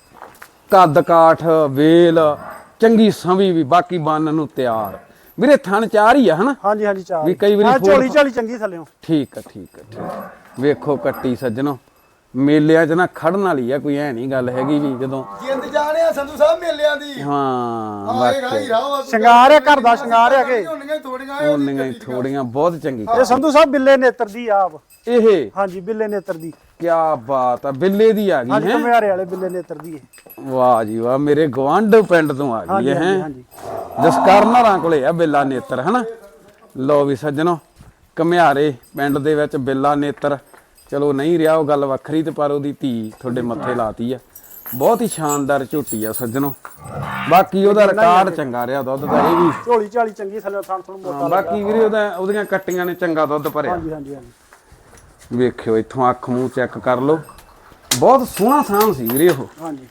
[SPEAKER 1] ਕੱਦ ਕਾਠ ਵੇਲ ਚੰਗੀ ਸੰਵੀ ਵੀ ਬਾਕੀ ਬੰਨ ਨੂੰ ਤਿਆਰ। ਵੀਰੇ ਥਣ ਚਾਰ ਹੀ ਆ ਹਨਾ?
[SPEAKER 3] ਹਾਂਜੀ ਹਾਂਜੀ ਚਾਰ
[SPEAKER 1] ਵੀ ਕਈ ਵਾਰੀ
[SPEAKER 3] ਹਾਂ,
[SPEAKER 1] ਫੋੜ-
[SPEAKER 3] ਝੋਲੀ ਝਾਲੀ ਚੰਗੀ ਥੱਲਿਓ।
[SPEAKER 1] ਠੀਕ ਆ ਠੀਕ ਆ ਠੀਕ ਆ। ਵੇਖੋ ਕੱਟੀ ਸੱਜਣੋ, ਮੇਲਿਆਂ 'ਚ ਨਾ ਖੜਨ ਵਾਲੀ ਆ, ਕੋਈ ਐ ਨਹੀਂ ਗੱਲ ਹੈਗੀ ਵੀ ਜਦੋਂ।
[SPEAKER 2] ਜਿੰਦ ਜਾਣਿਆ ਸੰਧੂ ਸਾਹਿਬ ਮੇਲਿਆਂ ਦੀ।
[SPEAKER 1] ਹਾਂ
[SPEAKER 2] ਆਏ ਰਾਈ
[SPEAKER 1] ਵਾਕਿਆ
[SPEAKER 2] ਰਾਵਾ
[SPEAKER 3] ਸ਼ਿੰਗਾਰ ਆ, ਘਰ ਦਾ ਸ਼ਿੰਗਾਰ ਆ ਕੇ।
[SPEAKER 2] ਉਹਨੀਆਂ ਥੋੜੀਆਂ
[SPEAKER 1] ਉਹਨੀਆਂ ਹੀ ਥੋੜੀਆਂ ਬਹੁਤ ਚੰਗੀ।
[SPEAKER 3] ਇਹ ਸੰਧੂ ਸਾਹਿਬ ਬਿੱਲੇ ਨੇਤਰ ਦੀ ਆ ਆਪ।
[SPEAKER 1] ਇਹ
[SPEAKER 3] ਹਾਂਜੀ ਬਿੱਲੇ ਨੇਤਰ ਦੀ।
[SPEAKER 1] ਕਿਆ ਬਾਤ ਆ, ਬਿੱਲੇ ਦੀ ਆ ਗਈ
[SPEAKER 3] ਹਾਂਜੀ
[SPEAKER 1] ਹੈ।
[SPEAKER 3] ਕਮਿਆਰੇ ਵਾਲੇ ਬਿੱਲੇ ਨੇਤਰ ਦੀ ਇਹ।
[SPEAKER 1] ਵਾਹ ਜੀ ਵਾਹ, ਮੇਰੇ ਗਵਾਂਢ ਪਿੰਡ ਤੋਂ ਆ ਗਈ
[SPEAKER 3] ਹਾਂਜੀ
[SPEAKER 1] ਹੈ।
[SPEAKER 3] ਹਾਂਜੀ ਹਾਂਜੀ।
[SPEAKER 1] ਜਸਕਰਨਰਾਂ ਕੋਲੇ ਆ ਬਿੱਲਾ ਨੇਤਰ ਹਨਾ। ਲੋ ਵੀ ਸੱਜਣੋ, ਕਮਿਆਰੇ ਪਿੰਡ ਦੇ ਵਿੱਚ ਬਿੱਲਾ ਨੇਤਰ ਚਲੋ ਨਹੀਂ ਰਿਹਾ ਉਹ ਗੱਲ ਵੱਖਰੀ, ਤੇ ਪਰ ਉਹਦੀ ਧੀ ਤੁਹਾਡੇ ਮੱਥੇ ਲਾਤੀ ਆ। ਬਹੁਤ ਹੀ ਸ਼ਾਨਦਾਰ ਝੋਟੀ ਆ ਸੱਜਣੋ। ਬਾਕੀ ਉਹਦਾ ਰਿਕਾਰਡ ਚੰਗਾ ਰਿਹਾ ਦੁੱਧ ਦਾ। ਇਹ ਵੀ
[SPEAKER 3] ਝੋਲੀ ਝਾਲੀ ਚੰਗੀ ਥੱਲੇ ਥਣ ਥਣ ਮੋਟਾ।
[SPEAKER 1] ਬਾਕੀ ਵੀਰੇ ਉਹਦਾ ਉਹਦੀਆਂ ਕੱਟੀਆਂ ਨੇ ਚੰਗਾ ਦੁੱਧ ਭਰਿਆ।
[SPEAKER 3] ਹਾਂਜੀ ਹਾਂਜੀ ਹਾਂਜੀ।
[SPEAKER 1] ਵੇਖਿਓ ਇੱਥੋਂ ਅੱਖ ਮੂੰਹ ਚੈੱਕ ਕਰ ਲਓ, ਬਹੁਤ ਸੋਹਣਾ ਸਾਂਭ ਸੀ ਵੀਰੇ ਉਹ।
[SPEAKER 3] ਹਾਂਜੀ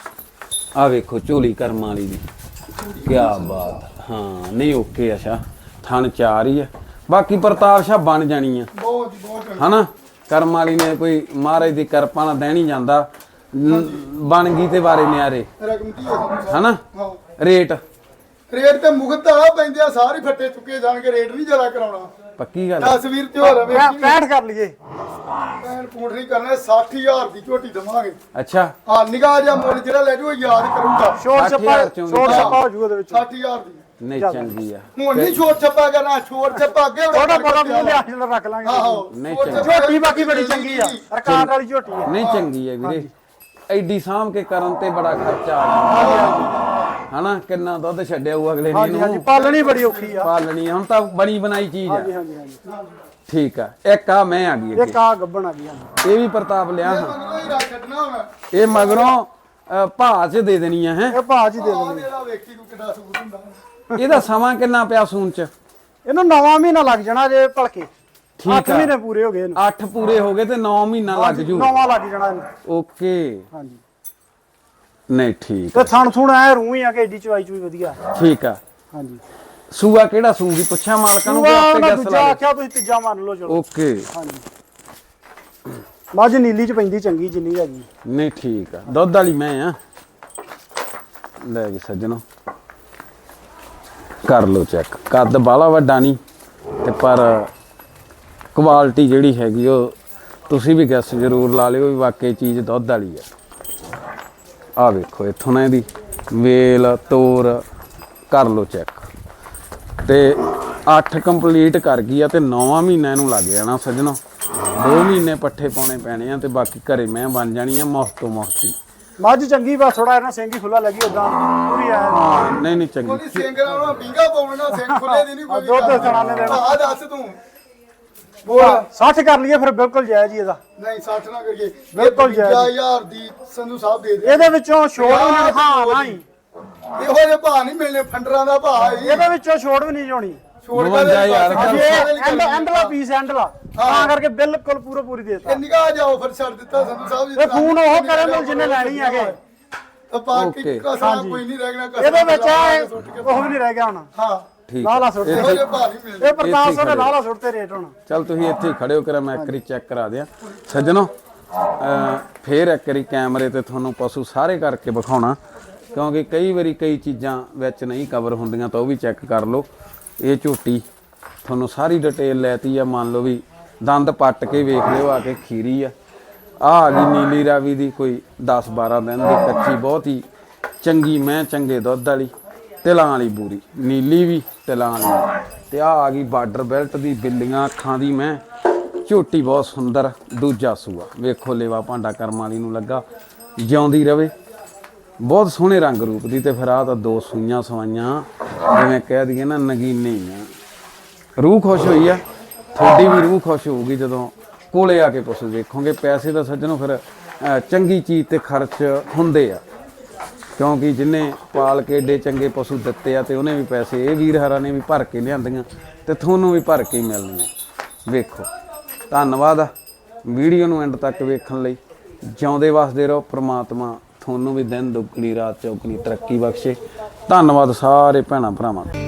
[SPEAKER 1] ਆ ਵੇਖੋ ਝੋਲੀ ਕਰਮਾਂ ਵਾਲੀ ਦੀ, ਕਿਆ ਬਾਤ। ਹਾਂ ਨਹੀਂ ਓਕੇ ਆ ਸ਼ਾ, ਥਣ ਚਾਰ ਹੀ ਆ। ਬਾਕੀ ਪ੍ਰਤਾਪ ਸ਼ਾ ਬਣ ਜਾਣੀ ਆ
[SPEAKER 2] ਬਹੁਤ ਬਹੁਤ
[SPEAKER 1] ਹਨਾ। ਕਰਮ ਵਾਲੀ ਨੇ ਕੋਈ ਮਹਾਰਾਜ ਦੀ ਕਿਰਪਾ ਨਾਲ ਦੇਣੀ ਜਾਂਦਾ, ਨ- ਬਣ ਗਈ ਤੇ ਵਾਰੇ ਨਿਆਰੇ
[SPEAKER 2] ਰਕਮ ਕੀ ਹੈ ਸੰਧੂ ਸਾਹਿਬ?
[SPEAKER 1] ਹਨਾ।
[SPEAKER 2] ਹਾਂ
[SPEAKER 1] ਰੇਟ
[SPEAKER 2] ਰੇਟ ਤੇ ਮੁਕਤ ਆ ਪੈਂਦੇ ਆ, ਸਾਰੇ ਫੱਟੇ ਚੁੱਕੇ ਜਾਣਗੇ। ਰੇਟ ਨਹੀਂ ਜ਼ਿਆਦਾ ਕਰਾਉਣਾ।
[SPEAKER 1] ਪੱਕੀ ਗੱਲ।
[SPEAKER 2] ਤਸਵੀਰ ਤੇ ਹੋਰ ਵੇਖੀ
[SPEAKER 3] ਪੈਂਹਠ ਕਰ ਲਈਏ।
[SPEAKER 2] ਪੈਣ ਪੂੰਠ ਨਹੀਂ ਕਰਨਾ। ਸੱਠ ਹਜ਼ਾਰ ਦੀ ਝੋਟੀ ਦਵਾਂਗੇ।
[SPEAKER 1] ਅੱਛਾ
[SPEAKER 2] ਹਾਂ ਨਿਗਾਹ ਜਿਹਾ ਮੁੱਲ ਜਿਹੜਾ ਲੈ ਜੂ ਯਾਦ ਕਰੂਗਾ।
[SPEAKER 3] ਛੋਟ
[SPEAKER 1] ਸੱਠ
[SPEAKER 3] ਛੱਪਾ
[SPEAKER 1] ਹਜ਼ਾਰ ਚੋਂ ਵੀ
[SPEAKER 3] ਛੋਟ
[SPEAKER 1] ਤਾਂ-
[SPEAKER 3] ਛੱਪਾ ਹੋ ਜੂਗਾ ਉਹਦੇ ਵਿੱਚ।
[SPEAKER 2] ਸੱਠ ਹਜ਼ਾਰ ਦੀ
[SPEAKER 1] ਨਹੀਂ ਚੰਗੀ ਆ।
[SPEAKER 2] ਹੁਣ ਨਹੀਂ ਛੋਟ ਛੱਪਾ ਕਰਨਾ। ਛੋਟ ਛੱਪਾ ਅੱਗੇ ਹੋਣਾ।
[SPEAKER 3] ਥੋੜਾ ਬਹੁਤਾ ਮੂੰਹ ਲਿਆ ਜਿਹੜਾ ਰੱਖ ਲਾਂਗੇ।
[SPEAKER 2] ਆਹੋ
[SPEAKER 1] ਨਹੀਂ
[SPEAKER 2] ਛੋਟ
[SPEAKER 1] ਚੰਗੀ।
[SPEAKER 2] ਛੱਪਾ
[SPEAKER 3] ਝੋਟੀ ਬਾਕੀ ਬੜੀ ਚੰਗੀ ਆ। ਰਕਾਟ ਵਾਲੀ ਝੋਟੀ ਆ।
[SPEAKER 1] ਨਹੀਂ ਚੰਗੀ ਆ ਵੀਰੇ। ਐਡੀ ਸਾਂਭ ਕੇ ਕਰਨ ਤੇ ਬੜਾ ਖਰਚਾ ਆ ਜਾਂਦਾ ਹਨਾ। ਕਿੰਨਾ ਦੁੱਧ ਛੱਡਿਆ ਉਹ ਅਗਲੇ ਨੇ
[SPEAKER 3] ਹਾਂਜੀ ਹਾਂਜੀ
[SPEAKER 1] ਇਹਨੂੰ
[SPEAKER 3] ਪਾਲਣੀ ਬੜੀ ਔਖੀ ਆ।
[SPEAKER 1] ਪਾਲਣੀ ਆ। ਹੁਣ ਤਾਂ ਬਣੀ ਬਣਾਈ ਚੀਜ਼ ਆ।
[SPEAKER 3] ਹਾਂਜੀ ਹਾਂਜੀ ਹਾਂਜੀ।
[SPEAKER 1] ਠੀਕ ਆ। ਇੱਕ ਆ ਮੈਂ ਆ ਗਈ
[SPEAKER 3] ਇਹ
[SPEAKER 1] ਅੱਗੇ।
[SPEAKER 3] ਕਾ ਗੱਬਣ ਆ ਗਈ ਹਾਂਜੀ।
[SPEAKER 1] ਇਹ ਵੀ ਪ੍ਰਤਾਪ ਲਿਆ ਹਾਂ।
[SPEAKER 2] ਮਗਰੋਂ ਹੀ ਰੱਖ ਛੱਡਣਾ ਹੁਣ।
[SPEAKER 1] ਇਹ ਮਗਰੋਂ ਅ, ਭਾਅ 'ਚ ਦੇ ਦੇਣੀ ਆ ਹੈ।
[SPEAKER 3] ਇਹ ਭਾਜ ਹੀ ਦੇ
[SPEAKER 2] ਆਹ
[SPEAKER 3] ਦੇਣੀ।
[SPEAKER 2] ਜਿਹੜਾ ਵੇਖੀ ਤੂੰ ਕਿੱਡਾ ਸੂਟ ਹੁੰਦਾ।
[SPEAKER 1] ਇਹਦਾ ਸਮਾਂ ਕਿੰਨਾ ਪਿਆ ਸੂਣ 'ਚ?
[SPEAKER 3] ਇਹਨੂੰ ਨਵਾਂ ਮਹੀਨਾ ਲੱਗ ਜਾਣਾ ਜੇ ਭਲਕੇ।
[SPEAKER 1] ਠੀਕ
[SPEAKER 3] ਅੱਠ
[SPEAKER 1] ਆ।
[SPEAKER 3] ਮਹੀਨੇ ਪੂਰੇ ਹੋ ਗਏ ਇਹਨੂੰ।
[SPEAKER 1] ਅੱਠ ਪੂਰੇ ਹੋ ਗਏ ਤੇ ਨੌ ਮਹੀਨਾ ਲੱਗ ਜੂ।
[SPEAKER 3] ਨਵਾਂ ਲੱਗ ਜਾਣਾ ਇਹਨੂੰ।
[SPEAKER 1] ਓਕੇ
[SPEAKER 3] ਹਾਂਜੀ
[SPEAKER 1] ਨਹੀਂ ਠੀਕ
[SPEAKER 3] ਤੇ
[SPEAKER 1] ਆ,
[SPEAKER 3] ਥਣ ਥੁਣ ਐ ਰੂਹ ਹੀ ਆ ਕਿ ਏਡੀ ਚਵਾਈ ਚੁਈ ਵਧੀਆ।
[SPEAKER 1] ਠੀਕ ਆ।
[SPEAKER 3] ਹਾਂਜੀ
[SPEAKER 1] ਸੂਆ ਕਿਹੜਾ ਸੂਗੀ ਪੁੱਛਿਆ ਮਾਲਕਾਂ ਨੂੰ ਕਿ
[SPEAKER 3] ਸੂਆ
[SPEAKER 1] ਆਪੇ
[SPEAKER 3] ਉਹਨਾਂ
[SPEAKER 1] ਗੈਸ
[SPEAKER 3] ਦੂਜਾ
[SPEAKER 1] ਲਾ
[SPEAKER 3] ਆਖਿਆ ਤੁਸੀਂ ਤੀਜਾ ਮੰਨ ਲਓ ਚਲੋ।
[SPEAKER 1] ਓਕੇ
[SPEAKER 3] ਹਾਂਜੀ ਮੱਝ ਨੀਲੀ ਚ ਪੈਂਦੀ ਚੰਗੀ ਜਿੰਨੀ ਹੈਗੀ।
[SPEAKER 1] ਨਹੀਂ ਠੀਕ ਆ। ਦੁੱਧ ਵਾਲੀ ਮੈਂ ਆ। ਲੈ ਵੀ ਸੱਜਣੋ ਕਰ ਲਓ ਚੈੱਕ। ਕੱਦ ਬਾਹਲਾ ਵੱਡਾ ਨਹੀਂ ਤੇ ਪਰ ਕੁਆਲਿਟੀ ਜਿਹੜੀ ਹੈਗੀ ਉਹ ਤੁਸੀਂ ਵੀ ਗੈਸ ਜ਼ਰੂਰ ਲਾ ਲਿਓ ਵੀ ਵਾਕਈ ਚੀਜ਼ ਦੁੱਧ ਵਾਲੀ ਆ। ਆ ਵੇਖੋ ਇੱਥੋਂ ਨਾ ਇਹਦੀ ਵੇਲ ਤੋਰ ਕਰ ਲਓ ਚੈੱਕ। ਤੇ ਅੱਠ ਕੰਪਲੀਟ ਕਰ ਗਈ ਆ ਤੇ ਨੌਵਾਂ ਮਹੀਨਾ ਇਹਨੂੰ ਲੱਗ ਜਾਣਾ ਸੱਜਣੋ। ਦੋ ਮਹੀਨੇ ਪੱਠੇ ਪਾਉਣੇ ਪੈਣੇ ਆ ਤੇ ਬਾਕੀ ਘਰੇ ਮੈਂ ਬਣ ਜਾਣੀ ਆ ਮੁਫਤ ਤੋਂ ਮੁਫਤੀ।
[SPEAKER 3] ਮੱਝ ਚੰਗੀ ਬਸ ਥੋੜਾ ਇਹਨਾਂ ਸਿੰਘ ਹੀ ਖੁੱਲਾ ਲੱਗੀ ਉਦਾਂ ਪੂਰੀ ਆ।
[SPEAKER 1] ਹਾਂ ਨਹੀਂ ਨਹੀਂ ਚੰਗੀ।
[SPEAKER 2] ਉਹਦੀ ਸਿੰਘ ਨਾਲ ਉਹ ਪੀਂਗਾ ਪਾਉਣਾ। ਸਿੰਘ ਖੁੱਲੇ ਦੀ ਨਹੀਂ ਕੋਈ।
[SPEAKER 3] ਦੁੱਧ ਸਣਾਣੇ ਦੇਣਾ।
[SPEAKER 2] ਆ ਦੱਸ ਤੂੰ ਬੋਲ।
[SPEAKER 3] ਸੱਠ ਕਰ ਲਈਏ ਫਿਰ ਬਿਲਕੁਲ ਜਾਇਜ਼ ਹੀ ਇਹਦਾ।
[SPEAKER 2] ਨਹੀਂ ਸੱਠ ਨਾ ਕਰੀਏ।
[SPEAKER 3] ਬਿਲਕੁਲ ਜਾਇਜ਼।
[SPEAKER 2] ਪੰਜਾਹ ਹਜ਼ਾਰ ਦੀ ਸੰਧੂ ਸਾਹਿਬ ਦੇ ਦੇ।
[SPEAKER 3] ਇਹਦੇ ਵਿੱਚੋਂ ਛੋੜ ਵੀ ਨਹੀਂ ਹਾਂ ਨਹੀਂ
[SPEAKER 2] ਇਹੋ ਜਿਹੇ ਭਾਅ ਨਹੀਂ ਮਿਲਨੇ। ਫੰਡਰਾਂ ਦਾ ਭਾਅ ਹੈ
[SPEAKER 3] ਇਹਦੇ ਵਿੱਚੋਂ ਛੋੜ ਵੀ ਨਹੀਂ ਜਾਣੀ।
[SPEAKER 2] ਛੋੜ
[SPEAKER 1] ਬਵੰਜਾ ਹਜ਼ਾਰ
[SPEAKER 3] ਹਾਂਜੀ ਇਹ ਐਂਡ ਐਂਡਲਾ ਪੀਸ ਐਂਡਲਾ ਤਾਂ ਕਰਕੇ ਬਿਲਕੁਲ ਪੂਰਾ ਪੂਰੀ ਦੇਤਾ
[SPEAKER 2] ਇਹ ਨਿਗਾਹ ਜਾਓ ਫਿਰ ਛੱਡ ਦਿੱਤਾ ਸੰਧੂ ਸਾਹਿਬ ਜੀ
[SPEAKER 3] ਇਹ ਫੋਨ ਉਹ ਕਰੇ ਮਿਲ ਜਿੰਨੇ ਲੈਣੀ ਹੈਗੇ
[SPEAKER 2] ਤਾਂ ਬਾਕੀ
[SPEAKER 1] Okay.
[SPEAKER 2] ਕਸਾ ਕੋਈ ਨਹੀਂ ਰਹਿ ਗਿਆ ਕਸਾ
[SPEAKER 3] ਇਹਦੇ ਵਿੱਚ ਇਹ ਉਹ ਵੀ ਨਹੀਂ ਰਹਿ ਗਿਆ ਹੁਣ
[SPEAKER 2] ਹਾਂ
[SPEAKER 1] ਠੀਕ
[SPEAKER 3] ਲਾਲਾ ਸੁੱਟ
[SPEAKER 2] ਇਹੋ ਜਿਹੇ ਭਾਅ ਨਹੀਂ ਮਿਲਦੇ
[SPEAKER 3] ਇਹ ਪ੍ਰਤਾਪ ਸਿੰਘ ਨੇ ਲਾਲਾ ਸੁੱਟਦੇ ਰੇਟ ਹੁਣ
[SPEAKER 1] ਚਲ ਤੁਸੀਂ ਇੱਥੇ ਹੀ ਖੜੇ ਹੋ ਕੇ ਮੈਂ ਇੱਕ ਵਾਰੀ ਚੈੱਕ ਕਰਾ ਦਿਆਂ ਸੱਜਣੋ ਅਹ ਫੇਰ ਇੱਕ ਵਾਰੀ ਕੈਮਰੇ ਤੇ ਤੁਹਾਨੂੰ ਪਸ਼ੂ ਸਾਰੇ ਕਰਕੇ ਵਿਖਾਉਣਾ ਕਿਉਂਕਿ ਕਈ ਵਾਰੀ ਕਈ ਚੀਜ਼ਾਂ ਵਿੱਚ ਨਹੀਂ ਕਵਰ ਹੁੰਦੀਆਂ ਤਾਂ ਉਹ ਵੀ ਚੈੱਕ ਕਰ ਲਓ ਇਹ ਝੋਟੀ ਤੁਹਾਨੂੰ ਸਾਰੀ ਡਿਟੇਲ ਲੈਤੀ ਆ ਮੰਨ ਲਓ ਵੀ ਦੰਦ ਪੱਟ ਕੇ ਵੇਖ ਲਿਓ ਆ ਕੇ ਖੀਰੀ ਆ ਆ ਆ ਗਈ ਨੀਲੀ ਰਾਵੀ ਦੀ ਕੋਈ ਦਸ ਬਾਰਾਂ ਦਿਨ ਦੀ ਕੱਚੀ ਬਹੁਤ ਹੀ ਚੰਗੀ ਮੈਂ ਚੰਗੇ ਦੁੱਧ ਵਾਲੀ ਤਿਲਾਂ ਵਾਲੀ ਬੂਰੀ ਨੀਲੀ ਵੀ ਤਿਲਾਂ ਵਾਲੀ ਤੇ ਆ ਆ ਗਈ ਬਾਰਡਰ ਬੈਲਟ ਦੀ ਬਿੱਲੀਆਂ ਅੱਖਾਂ ਦੀ ਮੈਂ ਝੋਟੀ ਬਹੁਤ ਸੁੰਦਰ ਦੂਜਾ ਸੂਆ ਵੇਖੋ ਲੇਵਾ ਭਾਂਡਾ ਕਰਮ ਵਾਲੀ ਨੂੰ ਲੱਗਾ ਜਿਉਂਦੀ ਰਵੇ ਬਹੁਤ ਸੋਹਣੇ ਰੰਗ ਰੂਪ ਦੀ ਤੇ ਫਿਰ ਆ ਤਾਂ ਦੋ ਸੂਈਆਂ ਸਵਾਈਆਂ ਜਿਵੇਂ ਕਹਿ ਦਈਏ ਨਾ ਨਗੀਨੇ ਹੀ ਆ ਰੂਹ ਖੁਸ਼ ਹੋਈ ਆ ਤੁਹਾਡੀ ਵੀ ਰੂਹ ਖੁਸ਼ ਹੋਊਗੀ ਜਦੋਂ ਕੋਲੇ ਆ ਕੇ ਪਸ਼ੂ ਵੇਖੋਗੇ ਪੈਸੇ ਦਾ ਸੱਜਣੋ ਫਿਰ ਅਹ, ਚੰਗੀ ਚੀਜ਼ ਤੇ ਖਰਚ ਹੁੰਦੇ ਆ ਕਿਉਂਕਿ ਜਿੰਨੇ ਪਾਲ ਕੇ ਏਡੇ ਚੰਗੇ ਪਸ਼ੂ ਦਿੱਤੇ ਆ ਤੇ ਉਹਨੇ ਵੀ ਪੈਸੇ ਇਹ ਵੀਰ ਹਰਾਂ ਨੇ ਵੀ ਭਰ ਕੇ ਲਿਆਂਦੀਆਂ ਤੇ ਤੁਹਾਨੂੰ ਵੀ ਭਰ ਕੇ ਹੀ ਮਿਲਣੀਆਂ ਵੇਖੋ ਧੰਨਵਾਦ ਆ ਵੀਡੀਓ ਨੂੰ ਐਂਡ ਤੱਕ ਵੇਖਣ ਲਈ ਜਿਉਂਦੇ ਵਸਦੇ ਰਹੋ ਪ੍ਰਮਾਤਮਾ ਤੁਹਾਨੂੰ ਵੀ ਦਿਨ ਦੁੱਗਣੀ ਰਾਤ ਚੌਗਣੀ ਤਰੱਕੀ ਬਖਸ਼ੇ ਧੰਨਵਾਦ ਸਾਰੇ ਭੈਣਾਂ ਭਰਾਵਾਂ ਦਾ।